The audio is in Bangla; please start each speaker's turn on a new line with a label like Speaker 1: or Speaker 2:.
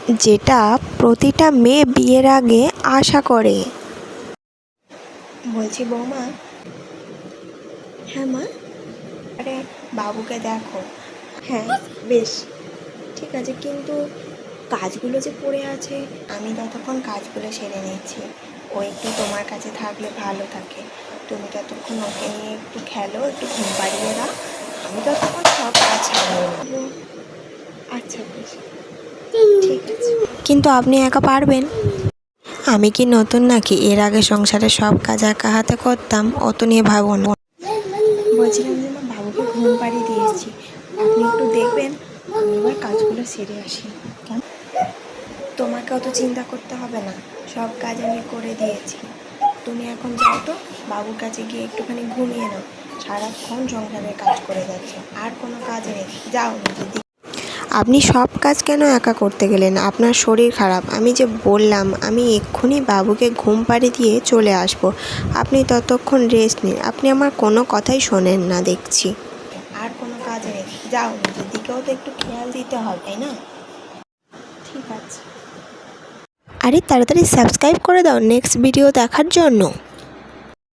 Speaker 1: যেটা প্রতিটা মেয়ে বিয়ের আগে আশা করে। বলছি বৌমা। হ্যাঁ মা। আরে বাবুকে দেখো। হ্যাঁ বেশ ঠিক আছে, কিন্তু কাজগুলো যে পড়ে আছে আমি ততক্ষণ কাজগুলো সেরে নিচ্ছি। ও একটু তোমার কাছে থাকলে ভালো থাকে। তুমি ততক্ষণ ওকে নিয়ে একটু খেলো, একটু ঘুম পাড়িয়ে দাও, আমি ততক্ষণ সব কাজ সারিয়ে নেবো। আচ্ছা বেশ ঠিক আছে। কিন্তু আপনি একা পারবেন? আমি কি নতুন নাকি? এর আগে সংসারে সব কাজ একা হাতে করতাম, অত নিয়ে ভাবো না। বলছিলাম যে মা, বাবুকে ঘুম পাড়িয়ে দিয়েছি, আপনি একটু দেখবেন, আমি এবার কাজগুলো সেরে আসি। কেন? তোমাকে অত চিন্তা করতে হবে না, সব কাজ আমি করে দিয়েছি। তুমি এখন যাও তো, বাবুর কাছে গিয়ে একটুখানি ঘুমিয়ে নাও। সারাক্ষণ সংসারের কাজ করে যাচ্ছ, আর কোনো কাজ নেই, যাও নিজের দিকে। আপনি সব কাজ কেন একা করতে গেলেন? আপনার শরীর খারাপ। আমি যে বললাম আমি এক্ষুনি বাবুকে ঘুম পাড়িয়ে দিয়ে চলে আসব, আপনি ততক্ষণ রেস্ট নিন। আপনি আমার কোনো কথাই শোনেন না দেখছি। আর কোনো কাজ নেই, যাও নিজের দিকেও তো একটু খেয়াল দিতে হবে, তাই না? ঠিক আছে। আরে তাড়াতাড়ি সাবস্ক্রাইব করে দাও নেক্সট ভিডিও দেখার জন্য।